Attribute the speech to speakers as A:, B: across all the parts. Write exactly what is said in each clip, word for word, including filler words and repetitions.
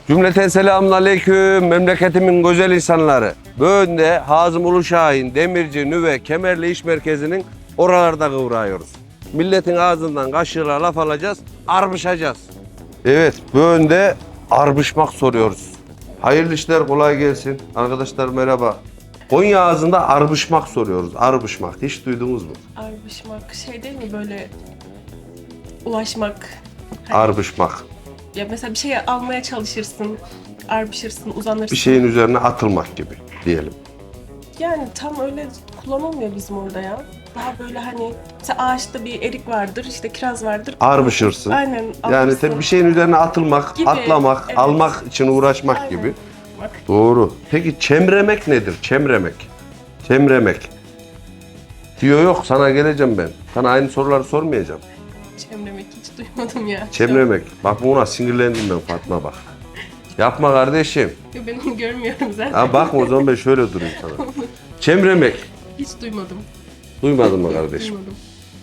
A: Cümleten selamun aleyküm memleketimin güzel insanları. Böğünde Hazım Uluşahin, Demirci, Nüve, Kemerli İş Merkezi'nin oralarda kıvrağıyoruz. Milletin ağzından kaşığıyla laf alacağız, arbışacağız. Evet, Böğünde arbışmak soruyoruz. Hayırlı işler, kolay gelsin. Arkadaşlar merhaba. Konya ağzında arbışmak soruyoruz. Arbışmak. Hiç duydunuz mu?
B: Arbışmak şey değil mi böyle ulaşmak? Hani
A: Arbışmak.
B: ya mesela bir şey almaya çalışırsın, arbışırsın, uzanırsın.
A: Bir şeyin üzerine atılmak gibi diyelim.
B: Yani tam öyle kullanılmıyor bizim orada ya. Daha böyle hani mesela ağaçta bir erik vardır, işte kiraz vardır.
A: Arbışırsın.
B: Aynen.
A: Yani
B: alırsın.
A: tabii bir şeyin üzerine atılmak,
B: Gibi,
A: atlamak,
B: evet.
A: almak için uğraşmak
B: Aynen.
A: gibi.
B: Bak.
A: Doğru. Peki çemremek nedir? Çemremek. Çemremek. Diyor yok, sana geleceğim ben. Sana aynı soruları sormayacağım.
B: Çemremek hiç duymadım ya.
A: Çemremek. Bak buna sinirlendim ben Fatma bak. Yapma kardeşim.
B: Yok, ben onu görmüyorum zaten.
A: Ha bakma o zaman ben şöyle durayım sana. Çemremek.
B: Hiç duymadım.
A: Duymadın mı kardeşim?
B: Duymadım.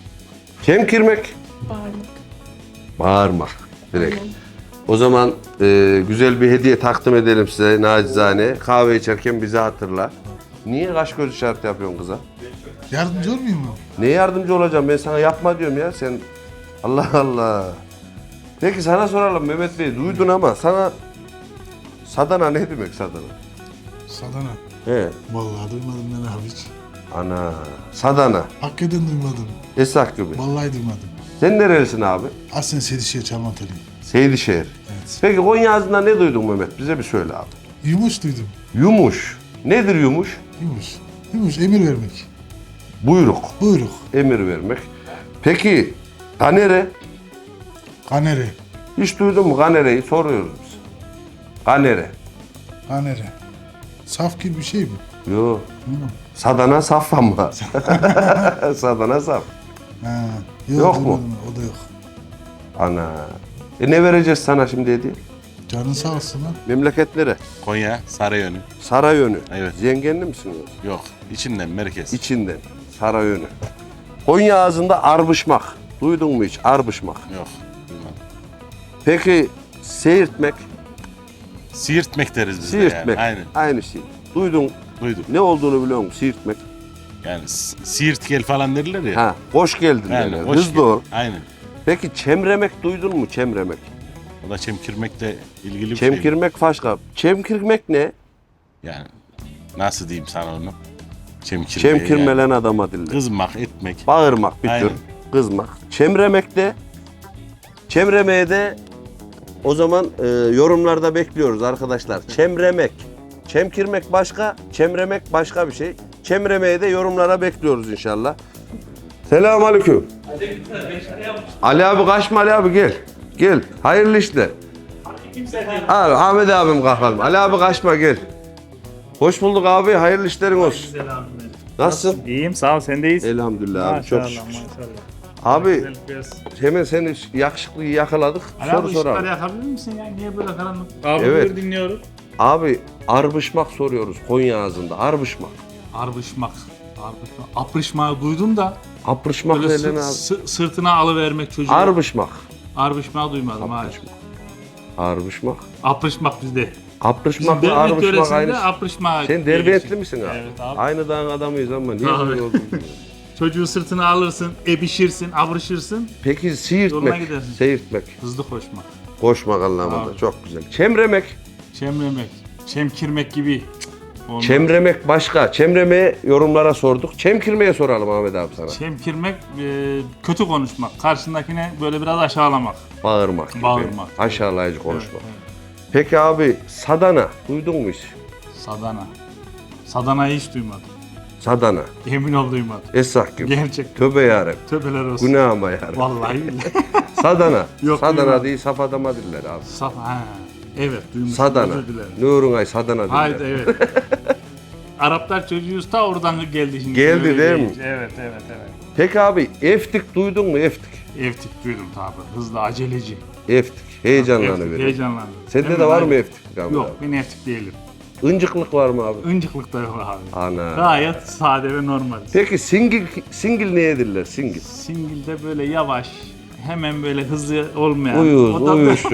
A: Çemkirmek.
B: Bağırmak.
A: Bağırmak. Direkt.
B: Aynen.
A: O zaman e, güzel bir hediye takdim edelim size nacizane. Kahve içerken bizi hatırla. Niye kaş göz işareti yapıyorsun kıza?
C: Yardımcı olmayayım mı?
A: Ne yardımcı olacağım? Ben sana yapma diyorum ya sen. Allah Allah. Peki sana soralım Mehmet Bey. Duydun ama sana sadana ne demek sadana?
C: Sadana.
A: He.
C: Vallahi duymadım ben abi hiç.
A: Ana. Sadana.
C: Hakikaten duymadım.
A: Esak gibi.
C: Vallahi duymadım.
A: Sen nerelisin abi?
C: Aslen Sedişehir Çalmanteliyim.
A: Seydişehir.
C: Evet.
A: Peki Konya ağzından ne duydun Mehmet? Bize bir söyle abi.
C: Yumuş duydum.
A: Yumuş. Nedir yumuş?
C: Yumuş. Yumuş emir vermek.
A: Buyruk.
C: Buyruk.
A: Emir vermek. Peki kanere?
C: Kanere.
A: Hiç duydun mu kanereyi? Soruyoruz biz. Kanere.
C: Kanere. Saf gibi bir şey mi?
A: Yo.
C: Hı.
A: Sadana saf ama. Sadana saf.
C: Ha.
A: Yok mu?
C: duymadım. O da yok.
A: Ana. E ne vereceğiz sana şimdi hediye?
C: Canın sağ olsun lan.
A: Memleketlere.
D: Konya, Sarayönü.
A: Sarayönü.
D: Evet.
A: Zengenli misiniz?
D: Yok, içinden merkez.
A: İçinden. Sarayönü. Konya ağzında arbışmak. Duydun mu hiç? Arbışmak.
D: Yok, duymadım.
A: Peki seyirtmek.
D: Siirtmek deriz biz de
A: Siirtmek.
D: yani. Aynen,
A: Aynı şey. Duydun.
D: duydum.
A: Ne olduğunu biliyor musun? Siirtmek.
D: Yani s- siirt gel falan derler ya.
A: Ha, hoş geldin
D: Aynen,
A: derler.
D: hoş
A: Hızlı
D: geldin.
A: ol.
D: Aynen.
A: Peki çemremek duydun mu? Çemremek.
D: O da çemkirmekle ilgili bir şey.
A: Çemkirmek başka. Çemkirmek ne?
D: Yani nasıl diyeyim sana onu? Çemkirme.
A: Çemkirmelen
D: yani.
A: adama diller.
D: Kızmak, etmek.
A: Bağırmak bir tür.
D: Aynen.
A: Kızmak. Çemremek de. Çemremeye de o zaman e, yorumlarda bekliyoruz arkadaşlar. Çemremek. Çemkirmek başka, çemremek başka bir şey. Çemremeye de yorumlara bekliyoruz inşallah. Selamünaleyküm. Ali abi kaçma Ali abi gel. Gel. Hayırlı işler. Abi Ahmet abim kalkalım. Ali abi kaçma gel. Hoş bulduk abi. Hayırlı işlerin olsun. Nasılsın?
E: İyiyim sağ ol sendeyiz.
A: Elhamdülillah abi çok
E: Maşallah
A: şükür.
E: maşallah.
A: Abi
E: Güzellik versin.
A: hemen seni yakışıklıyı yakaladık.
E: Ali
A: Soru
E: abi ışıkları
A: soralım.
E: yakabilir misin ya? Niye böyle karanlık? Abi
A: Evet.
E: buyur dinliyorum.
A: Abi arbışmak soruyoruz Konya ağzında. Arbışmak.
E: Arbışmak. Arbışmak. Aprışmağı duydum da
A: Aprışmak
E: böyle
A: denilen
E: sı-
A: abi.
E: sı- sırtına alıvermek çocuğu.
A: Arbışmak.
E: Arbışmağı duymadım abi.
A: Aprışmak. Arbışmak.
E: Aprışmak bizde. Bizim
A: Aprışmakla
E: Derbent
A: arbışmak
E: yöresinde
A: aynı.
E: aprışmağı.
A: Sen
E: diye
A: Derbentli
E: geçiyor.
A: misin abi?
E: Evet abi.
A: Aynı dağın adamıyız ama niye
E: Abi.
A: böyle oldu bilmiyorum.
E: Çocuğu sırtına alırsın, ebişirsin, abrışırsın,
A: Peki
E: Yoluna
A: siirtmek,
E: gidersin.
A: seyirtmek,
E: hızlı koşmak.
A: koşmak anlamında
E: Abi.
A: çok güzel. Çemremek,
E: Çemremek, çemkirmek gibi. Olmaz.
A: çemremek başka. Çemremeye yorumlara sorduk. Çemkirmeye soralım Ahmet abi sana.
E: Çemkirmek, e, kötü konuşmak. Karşındakine böyle biraz aşağılamak.
A: Bağırmak gibi.
E: Bağırmak.
A: Aşağılayıcı konuşmak.
E: Evet, evet.
A: Peki abi sadana duydun mu hiç?
E: Sadana. Sadana'yı hiç duymadım.
A: Sadana.
E: Emin ol duymadım.
A: Essak gibi.
E: Gerçekten.
A: Tövbe yarem.
E: Tövbeler olsun.
A: Günahıma yarem.
E: Vallahi billahi.
A: Sadana.
E: Yok,
A: Sadana
E: duymadım.
A: değil saf adama diller abi.
E: Saf, ha. Evet duymuşum.
A: Sadana.
E: Özür dilerim.
A: Nurun ay sadana diller.
E: Haydi evet. Araplar çocuğuyuz ta oradan geldi şimdi.
A: Geldi
E: Öyle
A: değil mi?
E: deyince. Evet evet evet.
A: Peki abi eftik duydun mu eftik?
E: Evtik duydum tabi. Hızlı aceleci.
A: Eftik. Heyecanlanı
E: Evtik,
A: verir.
E: heyecanlandı.
A: Sende
E: Hemen
A: de var mı
E: aynı-
A: eftik? Abi?
E: Yok ben evtik değilim.
A: Incıklık var mı abi?
E: Incıklık da yok abi.
A: Ana.
E: Gayet sade ve normal.
A: Peki singil singil neye diller? Singil.
E: Singil'de böyle yavaş, hemen böyle hızlı olmayan.
A: Uyuz,
E: o da
A: uyuşuk.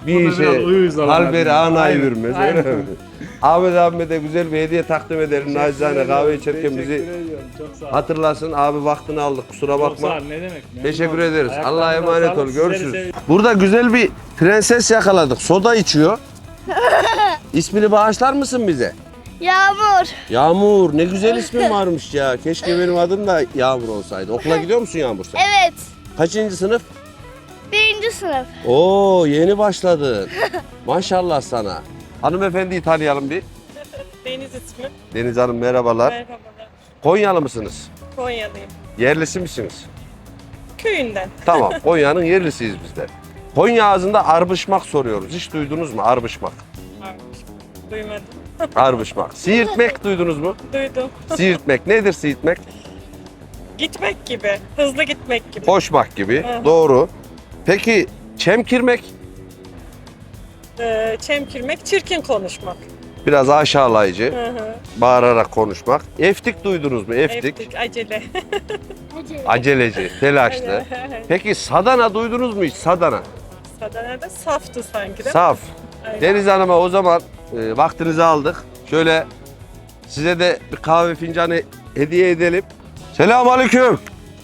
A: bir
E: O da
A: işe
E: biraz uyuz olan
A: halberi
E: abi.
A: anayı
E: Aynen,
A: vermez.
E: aynen.
A: Öyle mi? Ahmet abime de güzel bir hediye takdim edelim. Nacizane kahve içerken bizi
E: Çok sağ ol.
A: hatırlasın. Abi vaktini aldık, kusura
E: Çok sağ
A: bakma.
E: ol, ne demek. Memnun
A: Teşekkür
E: oldum.
A: ederiz.
E: Ayaklarınıza
A: Allah'a emanet
E: sağlık,
A: ol.
E: sizleri
A: Görüşürüz.
E: seviyorum.
A: Burada güzel bir prenses yakaladık. Soda içiyor. İsmini bağışlar mısın bize?
F: Yağmur.
A: Yağmur. Ne güzel ismin varmış ya. Keşke benim adım da Yağmur olsaydı. Okula gidiyor musun Yağmur sen?
F: Evet.
A: Kaçıncı sınıf?
F: Birinci sınıf.
A: Oo, yeni başladın. Maşallah sana. Hanımefendiyi tanıyalım bir.
B: Deniz ismi.
A: Deniz Hanım merhabalar.
B: Merhabalar.
A: Konyalı mısınız?
B: Konyalıyım.
A: Yerlisi misiniz?
B: Köyünden.
A: Tamam, Konya'nın yerlisiyiz biz de. Konya ağzında arbışmak soruyoruz. Hiç duydunuz mu arbışmak?
B: Varmış. Duymadım.
A: Arbışmak. Siirtmek duydunuz mu?
B: Duydum.
A: Siirtmek nedir siirtmek?
B: Gitmek gibi. Hızlı gitmek gibi.
A: Koşmak gibi.
B: Hı.
A: Doğru. Peki çemkirmek?
B: Ee, çemkirmek, çirkin konuşmak.
A: Biraz aşağılayıcı.
B: Hı hı.
A: Bağırarak konuşmak. Eftik duydunuz mu? Eftik.
B: Eftik, acele.
A: Aceleci, telaşlı. Peki sadana duydunuz mu hiç? Sadana.
B: Sadana'da saftı sanki de.
A: Saf.
B: Aynen.
A: Deniz Hanım'a o zaman e, vaktinizi aldık. Şöyle size de bir kahve fincanı hediye edelim. Selamünaleyküm.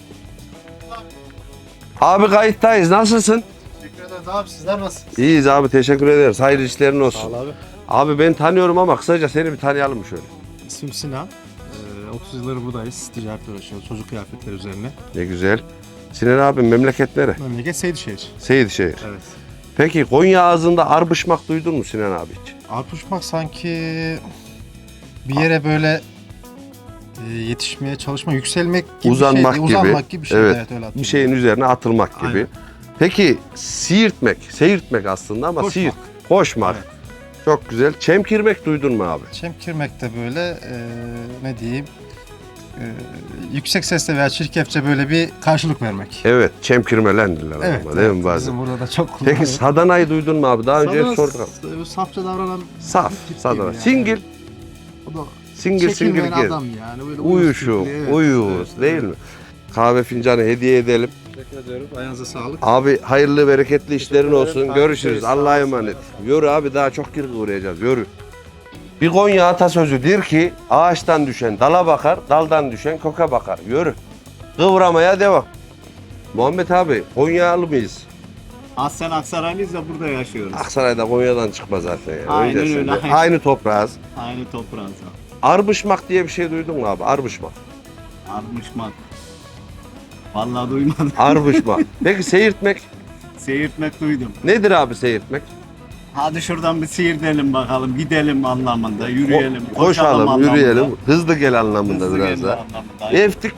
A: Abi kayıttayız. Nasılsın?
G: Teşekkür ederiz abi. Sizler nasılsınız?
A: İyiyiz abi. Teşekkür ederiz. Hayırlı işlerin olsun.
G: Sağ ol abi.
A: Abi ben tanıyorum ama kısaca seni bir tanıyalım şöyle.
G: İsmim Sinan. Ee, otuz yılları buradayız. Ticaretle uğraşıyoruz. Çocuk kıyafetleri üzerine.
A: Ne güzel. Sinan abi memleket nere?
G: Memleket Seydişehir.
A: Seyitşehir.
G: Evet.
A: Peki Konya ağzında arbışmak duydun mu Sinan abi hiç?
G: Arpuşmak sanki bir yere böyle e, yetişmeye çalışma, yükselmek gibi
A: Uzanmak
G: bir şeydi.
A: gibi.
G: Uzanmak gibi bir şeydi.
A: Evet.
G: Evet, öyle
A: Bir
G: hatırlıyorum.
A: şeyin üzerine atılmak gibi.
G: Aynen.
A: Peki siirtmek, seyirtmek aslında ama
G: Koşmak.
A: siirt, koşmak.
G: Evet.
A: Çok güzel. Çemkirmek duydun mu abi?
G: Çemkirmek de böyle e, ne diyeyim e, yüksek sesle veya çirkefçe böyle bir karşılık vermek.
A: Evet, çemkirmelendirler
G: Evet,
A: ama değil mi
G: evet.
A: bazen?
G: Bizim burada da çok
A: Peki
G: kullanıyoruz.
A: sadanayı duydun mu abi? Daha önce
G: Sadana
A: sorduk.
G: s- Safça davranan
A: Saf,
G: tip
A: sadana.
G: gibi yani.
A: Singil,
G: O da
A: singil singil
G: çekilmeyen
A: gez.
G: adam yani. Böyle
A: Uyuşuk,
G: tipli, evet.
A: uyuz
G: Evet,
A: değil
G: evet.
A: mi? Kahve fincanı hediye edelim.
G: Teşekkür ediyorum. Ayağınıza sağlık.
A: Abi hayırlı bereketli işlerin
G: ederim.
A: olsun.
G: Takip
A: Görüşürüz.
G: ederiz.
A: Allah'a
G: Sağ olasın.
A: emanet. Yürü abi daha çok kirli uğrayacağız. Yürü. Bir Konya atasözüdür ki ağaçtan düşen dala bakar, daldan düşen koka bakar. Yürü. Kıvramaya devam. Muhammed abi Konyalı mıyız?
H: Aslen Aksaraylıyız da burada yaşıyoruz.
A: Aksaray'da Konya'dan çıkma zaten yani.
H: Aynen
A: Öyle
H: öyle,
A: şimdi.
H: aynen.
A: Aynı toprağız.
H: Aynı toprağız.
A: Arbışmak diye bir şey duydun mu abi? Arbışmak.
H: Armışmak. Vallahi duymadım.
A: Arbışmak. Peki seyirtmek
H: Seyirtmek duydum.
A: nedir abi seyirtmek?
H: Hadi şuradan bir seyirtelim bakalım. Gidelim anlamında. Yürüyelim.
A: Ko- koşalım,
H: anlamında.
A: yürüyelim. Hızlı gel anlamında
H: Hızlı
A: biraz
H: gelme
A: da.
H: anlamında.
A: Eftik.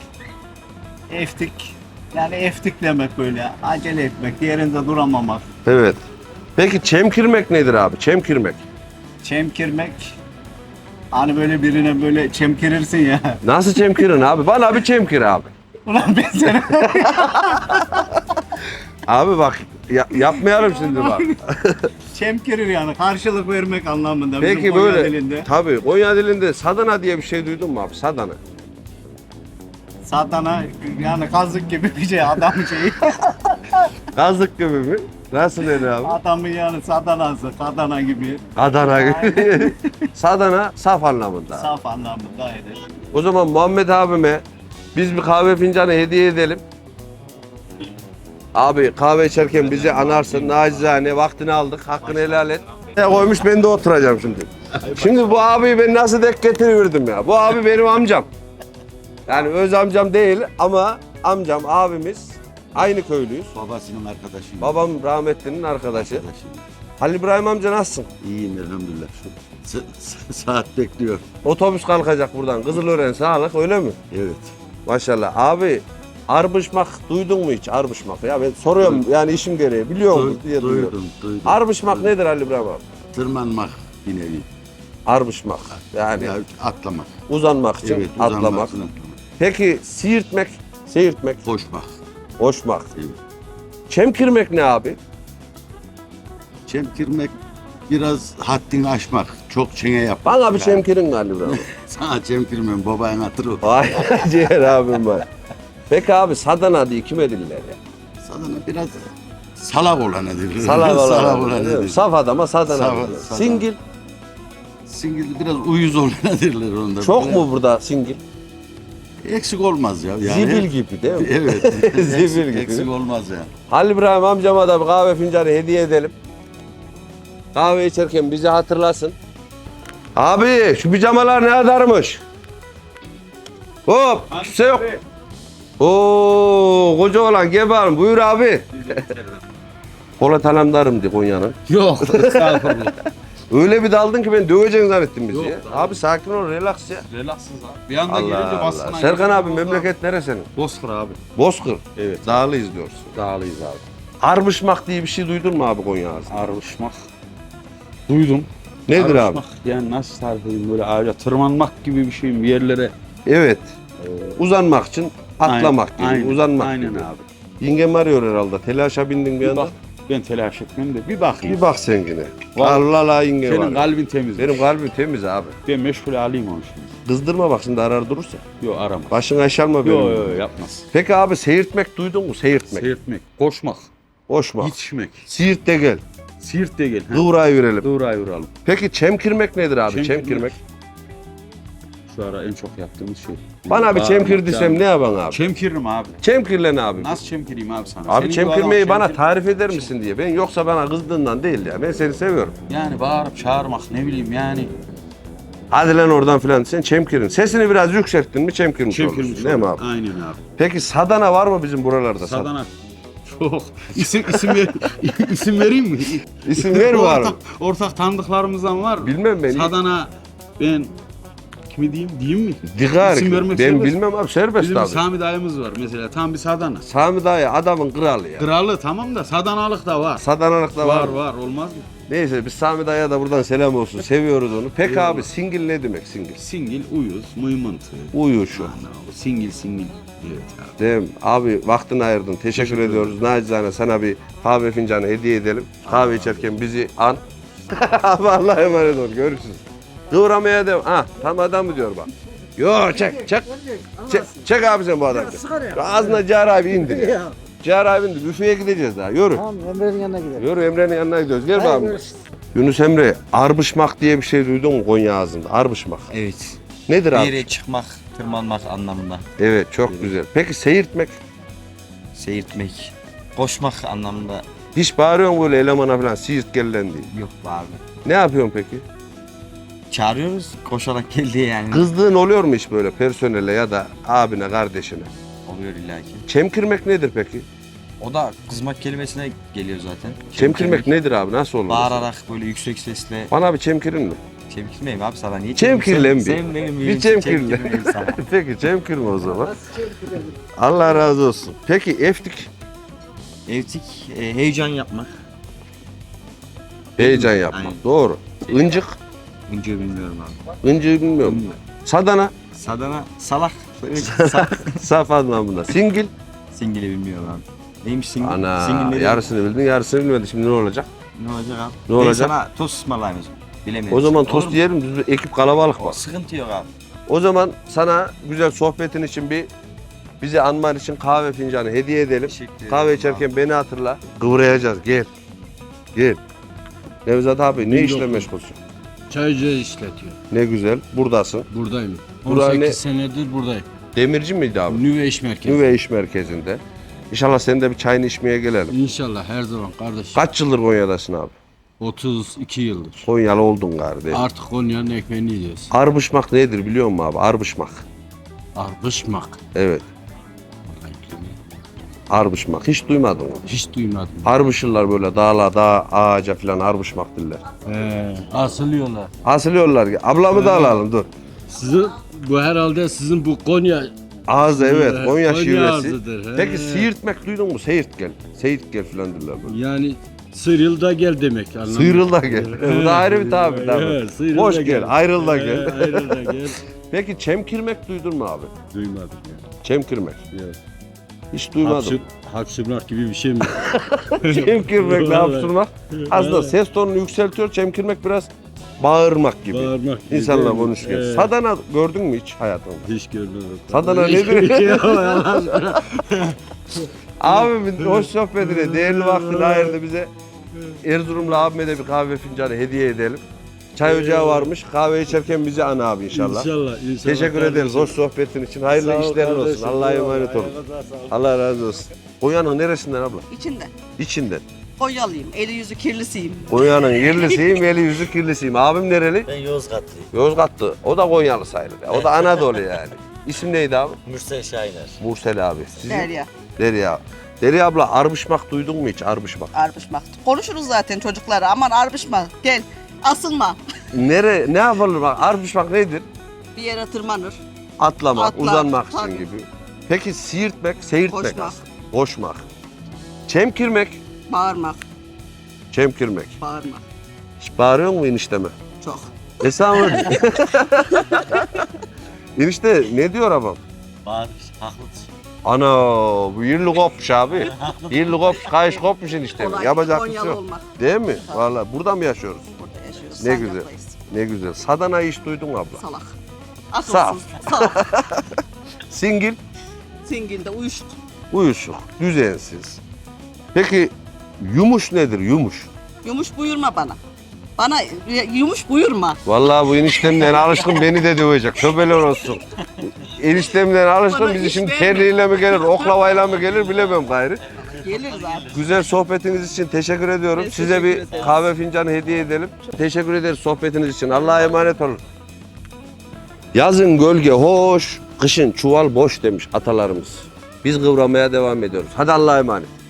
H: Eftik. Yani eftik demek böyle. Acele etmek. Yerinde duramamak.
A: Evet. Peki çemkirmek nedir abi? Çemkirmek.
H: Çemkirmek. Hani böyle birine böyle çemkirirsin ya.
A: Nasıl çemkirin abi? Bana bir çemkir abi.
H: Ulan ben seni...
A: Abi bak ya- yapmayalım şimdi bak.
H: Çemkirir yani. Karşılık vermek anlamında. bizim
A: Peki
H: Konya
A: böyle
H: dilinde.
A: tabii Konya dilinde sadana diye bir şey duydun mu abi? Sadana.
H: Satana yani kazık gibi bir şey adam şeyi.
A: Gazlık gibi mi? Nasıl dedi abi?
H: Adamın yani sadanası, kadana gibi.
A: Adana gibi. Sadana saf anlamında.
H: Saf anlamında eder.
A: O zaman Muhammed abime biz bir kahve fincanı hediye edelim. Abi kahve içerken bizi anarsın. Nacizane vaktini aldık. Hakkını helal et. Ya koymuş ben de oturacağım şimdi. Şimdi bu abiyi ben nasıl denk getiriverdim ya. Bu abi benim amcam. Yani öz amcam değil ama amcam, abimiz. Aynı köylüyüz.
I: Babasının arkadaşıyım.
A: Babam rahmetlinin arkadaşı.
I: Arkadaşıyım.
A: Halil İbrahim amca nasılsın?
I: İyiyim elhamdülillah. Şu sa- sa- saat bekliyor.
A: Otobüs kalkacak buradan. Kızılören sağlık öyle mi?
I: Evet.
A: Maşallah. Abi arbışmak duydun mu hiç arbışmak? Ya ben soruyorum yani işim gereği. Biliyor musun
I: Duy-
A: diye duyuyorum.
I: duydum, duydum.
A: Arbışmak
I: duydum.
A: nedir Halil İbrahim abi?
I: Tırmanmak bir nevi.
A: Arbışmak. Yani
I: Ya, atlamak.
A: uzanmak için
I: Evet, uzanmak,
A: atlamak.
I: atlamak.
A: Peki siirtmek, seyirtmek,
I: Koşmak.
A: koşmak.
I: Evet.
A: Çemkirmek ne abi?
I: Çemkirmek biraz haddini aşmak. Çok çene yapmak.
A: Bana bir
I: Yani.
A: çemkirin mi Halil İbrahim abi?
I: Sana çemkirmem. Babanın hatırı o.
A: Vay ciğer abim var. Peki abi sadana diye kime diller ya?
I: Sadana biraz Salak olana derler.
A: Salak olan.
I: Salak
A: değil
I: olana
A: mi?
I: derler.
A: Saf adama sadana.
I: Saf-
A: derler.
I: sadana.
A: Singil.
I: Singil biraz uyuz olana derler onda.
A: Çok
I: Böyle
A: mu burada singil?
I: Eksik olmaz ya. Yani.
A: Zibil gibi değil mi?
I: Evet.
A: Zibil
I: eksik,
A: gibi.
I: eksik olmaz ya.
A: Halil İbrahim amcama da bir kahve fincanı hediye edelim. Kahve içerken bizi hatırlasın. Abi şu pijamalar ne kadarmış? Hop kimse yok. Oo koca olan gel bakalım buyur abi. Polat Alemdar'ım diye Konya'nın.
H: Yok. Estağfurullah.
A: Öyle bir daldın ki ben döveceksin zannettim bizi ya. Abi sakin ol relax ya.
D: Relaksız abi. Bir anda
A: Allah
D: gelince
A: Allah.
D: baskına
A: Serkan
D: gelince
A: abi
D: orada-
A: memleket nere senin?
D: Bozkır abi.
A: Bozkır.
D: Evet.
A: Dağlıyız diyorsun.
D: Dağlıyız abi.
A: Arbışmak diye bir şey duydun mu abi Konya ağzında?
D: Arışmak. Duydum.
A: Nedir abi?
D: Arışmak, yani nasıl tarif edeyim, böyle ağaca tırmanmak gibi bir şey, bir yerlere.
A: Evet. Uzanmak için atlamak gibi,
D: Aynen,
A: uzanmak
D: aynen
A: gibi.
D: abi.
A: Yengem arıyor herhalde. Telaşa bindin bir
D: Bir
A: anda.
D: bak, ben telaş etmem de bir bakayım.
A: Bir bak sen yine.
D: Vallahi
A: Allah Allah yenge
D: Senin
A: var.
D: kalbin temiz.
A: Benim kalbim temiz abi.
D: Ben meşgul alayım onu şimdi.
A: Kızdırma bak şimdi arar durursa.
D: Yok arama.
A: Başın aşalma benim.
D: Yok yok yapmaz.
A: Peki abi seyirtmek duydun mu? Seyirtmek.
D: Seyirtmek, koşmak,
A: Koşmak.
D: yetişmek.
A: Siirt de gel.
D: Siirt de gel.
A: Kıvrayı verelim.
D: Doğrayı vuralım.
A: Peki çemkirmek nedir abi?
D: Çemkirmek.
A: Çemkirmek.
D: Şu ara en çok yaptığımız şey.
A: Bana bir
D: Bağırmak,
A: çemkir desem
D: yani.
A: ne yapan abi?
D: Çemkiririm abi.
A: Çemkirle ne abi?
D: Nasıl çemkireyim abi sana?
A: Abi
D: Senin bu
A: çemkirmeyi
D: adam
A: bana
D: çemkir-
A: tarif eder misin diye. Ben yoksa bana kızdığından değil ya. Ben seni seviyorum.
D: Yani bağırıp çağırmak ne bileyim yani.
A: Hadi lan oradan filan sen çemkirin. Sesini biraz yükselttin mi çemkirmiş,
D: Çemkirmiş
A: olursun. Değil mi abi?
D: Aynen abi.
A: Peki sadana var mı bizim buralarda?
D: Sadana. Çok. İsim isim ver, isim vereyim mi?
A: İsim ver var mı?
D: Ortak, ortak tanıdıklarımızdan var mı?
A: Bilmem ben.
D: Sadana ben kimi diyeyim diyeyim mi?
A: Digar.
D: İsim vermek
A: Ben
D: serbest.
A: bilmem abi serbest
D: Bizim
A: abi.
D: Sami dayımız var mesela tam bir Sadana.
A: Sami dayı adamın kralı ya.
D: Kralı tamam da Sadanalık da var.
A: Sadanalık da var.
D: Var
A: mı?
D: var olmaz mı?
A: Neyse biz Sami dayıya da buradan selam olsun. Seviyoruz onu. Peki
D: Eyvallah.
A: abi singil ne demek singil?
D: Singil, uyuz, mıymıntı.
A: Uyuşu.
D: Ana, o Singil singil. Evet abi.
A: Değil mi? Abi vaktini ayırdın. Teşekkür,
D: Teşekkür
A: ediyoruz. Nacizane sana bir kahve fincanı hediye edelim. Kahve içerken bizi an. Abi Allah'a emanet ol. Görüşürüz. Kıvramaya devam. Ha tam adam mı diyor bak. Yo çek çek. Çek, çek abi sen bu adamı. Ağzına Cihar abi indir ya. Cihar abi indir. Büfeye gideceğiz daha. Yürü.
J: Tamam Emre'nin yanına gidelim.
A: Yürü Emre'nin yanına gidiyoruz. Gel
J: Hadi
A: bakalım.
J: görüşürüz.
A: Yunus Emre, arbışmak diye bir şey duydun mu Konya ağzında? Arbışmak.
K: Evet.
A: Nedir
K: Bir
A: abi?
K: yere çıkmak, tırmanmak anlamında.
A: Evet çok güzel. Peki seyirtmek?
K: Seyirtmek, koşmak anlamında
A: Hiç bağırıyor mu böyle elemana falan siirt gel lan diye?
K: yok abi.
A: Ne yapıyorsun peki?
K: Çağırıyoruz, koşarak geldi yani.
A: Kızdığın oluyor mu hiç böyle personele ya da abine, kardeşine?
K: Oluyor illaki.
A: Çemkirmek nedir peki?
K: O da kızmak kelimesine geliyor zaten.
A: Çemkirmek nedir abi? Nasıl olur?
K: Bağırarak böyle yüksek sesle.
A: Bana bir çemkirin mi?
K: Çemkirmeyim abi sana niye
A: Çemkirle mi?
K: Sen, sen benim
A: Bir
K: yerim,
A: çemkirle.
K: çemkirmeyeyim sana.
A: Peki çemkirme o zaman. Allah razı olsun. Peki eftik
K: Evtik, e, heyecan yapmak.
A: heyecan yapmak.
K: Aynen.
A: Doğru. Incik,
K: Önce bilmiyorum abi.
A: incik bilmiyorum.
K: Bilmiyorum.
A: Sadana,
K: Sadana, salak. Salak.
A: saf anlamında. Singil.
K: Singil'i bilmiyorum abi. Neymiş singil?
A: Ana
K: Singil ne demek?
A: yarısını bildin yarısını bilmedin. Şimdi ne olacak?
K: Ne olacak abi?
A: Ne olacak?
K: Ben sana tost ısmarlayayım o zaman. Bilemiyorum.
A: O zaman
K: Olur
A: tost
K: mu?
A: yiyelim. Biz bir ekip kalabalık
K: O
A: var.
K: sıkıntı yok abi.
A: O zaman sana güzel sohbetin için bir bizi anman için kahve fincanı hediye edelim.
K: Teşekkür ederim
A: Kahve
K: abi.
A: içerken beni hatırla. Kıvrayacağız. Gel. Gel. Nevzat abi ne
J: bin
A: işle
J: dokuz.
A: meşgulsün?
J: Çaycı işletiyor.
A: Ne güzel. Buradasın.
J: Buradayım.
A: Bura
J: on sekiz
A: ne?
J: senedir buradayım.
A: Demirci miydi abi?
J: Nüve iş merkezi.
A: Nüve iş merkezinde. İnşallah sen de bir çayını içmeye gelelim.
J: İnşallah her zaman kardeşim.
A: Kaç yıldır Konya'dasın abi?
J: otuz iki yıldır.
A: Konyalı oldun kardeş.
J: Artık Konya'nın ekmeğini yiyoruz.
A: Arbışmak nedir biliyor musun abi? Arbışmak.
J: Arbışmak.
A: Evet. Arbışmak. Hiç duymadın mı?
J: Hiç duymadım.
A: Arbışırlar böyle dağla dağ ağaca falan arbışmak diller.
J: Ee, asılıyorlar.
A: Asılıyorlar. Ablamı da alalım dur.
J: Sizin bu herhalde sizin bu Konya
A: Ağzı evet
J: Ee,
A: Konya,
J: Konya
A: şivesi.
J: ağzıdır, he.
A: Peki siirtmek duydun mu? Seyit gel. Seyit gel falan derler böyle.
J: yani sıyrıl da gel demek anlamında.
A: Sıyrıl da gel. Bu da ayrı bir tabir tabii.
J: Evet, sıyrıl
A: Boş
J: da
A: gel, ayrıl da gel.
J: Ee, ayrıl da gel.
A: Peki çemkirmek duydun mu abi?
J: Duymadım ya.
A: Çemkirmek.
J: Yok.
A: Hiç duymadım.
J: Hapşır, hapşırmak gibi bir şey mi?
A: Çemkirmek ne
J: Vallahi.
A: hapşırmak? Aslında
J: Evet.
A: ses tonunu yükseltiyor. Çemkirmek biraz bağırmak gibi.
J: Bağırmak gibi.
A: İnsanla
J: değil mi?
A: konuşurken.
J: Evet.
A: Sadana gördün mü hiç hayatında?
J: Hiç görmedim.
A: Sadana
J: Hiç-
A: nedir?
J: Yok, yalan.
A: Abimin hoş sohbetine, değerli vaktini ayırdı bize. Erzurumlu abime de bir kahve fincanı hediye edelim. Çay ocağı varmış. Kahve içerken bizi ana abi inşallah.
J: İnşallah. inşallah
A: Teşekkür
J: kardeşim.
A: ederiz hoş sohbetin için. Hayırlı
J: Sağ ol
A: işlerin olsun.
J: kardeşim.
A: Allah'a emanet olun.
J: Eyvallah, sağ ol.
A: Allah razı olsun. Konya'nın neresinden abla?
L: İçinde.
A: İçinden.
L: Konyalıyım. Eli yüzü kirlisiyim.
A: Konya'nın yerlisiyim, eli yüzü kirlisiyim. Abim nereli?
K: Ben Yozgatlıyım.
A: Yozgatlı. O da Konyalı sayılır. O da Anadolu yani. İsim neydi abi?
K: Mürsel Şahiner.
A: Mursel abi. Sizin?
L: Derya.
A: Derya. Derya abla arbışmak duydun mu hiç arbışmak?
L: Arbışmak. Konuşuruz zaten çocuklara. Aman arbışma. Gel. Asılma.
A: Nere, ne yapılır bak arbışmak nedir?
L: Bir yere tırmanır.
A: Atlamak,
L: Atlar,
A: uzanmak için
L: tabii.
A: gibi. Peki siirtmek, seyirtmek
L: Koşmak.
A: aslında. Koşmak. Çemkirmek,
L: Bağırmak.
A: çemkirmek.
L: Bağırmak.
A: Hiç bağırıyor mu enişteme?
L: Çok.
A: Estağfurullah. Enişte ne diyor abam?
K: Bağırış, haklısın.
A: Ana bu yirli kopmuş abi. Yirli kopmuş, kayış kopmuş enişte.
L: Kolay.
A: Yapacak bir şey
L: Konyalı
A: yok.
L: olmak.
A: Değil mi? Vallahi burada mı yaşıyoruz?
L: Burada yaşıyoruz.
A: Ne güzel.
L: Sancak'tayız.
A: Ne güzel. Sadana'yı hiç duydun mu abla?
L: Salak.
A: Saf.
L: Akılsız. Salak.
A: Singil,
L: Singilde uyuşuk.
A: uyuşuk, düzensiz. Peki yumuş nedir yumuş?
L: Yumuş buyurma bana. Bana yumuş buyurma.
A: Vallahi bu eniştemden alışkın beni de dövecek. Tövbeler olsun. Eniştemden alışkın
L: Bana
A: bizi
L: iş
A: şimdi
L: verme.
A: terliğiyle mi gelir, oklavayla mı gelir bilemem gayrı.
L: Geliriz abi.
A: Güzel sohbetiniz için teşekkür ediyorum.
L: Ben
A: Size
L: teşekkür
A: bir
L: ederim.
A: kahve fincanı hediye edelim. Teşekkür ederiz sohbetiniz için. Allah'a emanet olun. Yazın gölge hoş, kışın çuval boş demiş atalarımız. Biz kıvramaya devam ediyoruz. Hadi Allah'a emanet.